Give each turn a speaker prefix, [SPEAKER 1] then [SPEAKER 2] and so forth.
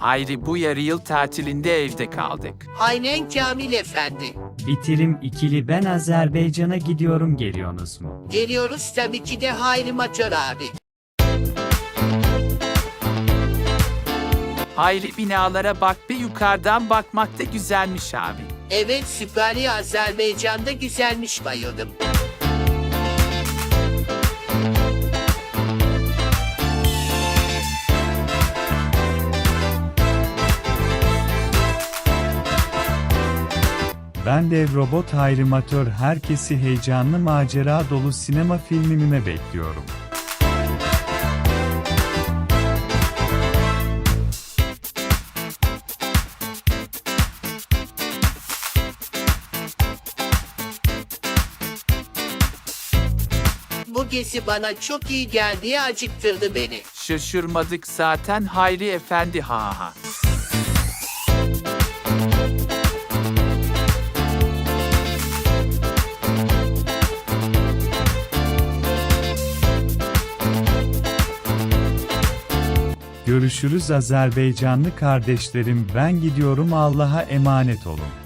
[SPEAKER 1] Hayri bu yarı yıl tatilinde evde kaldık.
[SPEAKER 2] Aynen Kamil Efendi.
[SPEAKER 3] Bitirim ikili ben Azerbaycan'a gidiyorum geliyorsunuz mu?
[SPEAKER 2] Geliyoruz tabii ki de Hayri Matör abi.
[SPEAKER 1] Hayri binalara bak be, yukarıdan bakmak da güzelmiş abi.
[SPEAKER 2] Evet süperi Azerbaycan'da güzelmiş, bayıldım.
[SPEAKER 4] Ben Dev Robot Hayrimatör, herkesi heyecanlı macera dolu sinema filmime bekliyorum.
[SPEAKER 2] Bu gezi bana çok iyi geldi, acıktırdı beni.
[SPEAKER 1] Şaşırmadık zaten Hayri Efendi, ha ha.
[SPEAKER 4] Görüşürüz Azerbaycanlı kardeşlerim, ben gidiyorum, Allah'a emanet olun.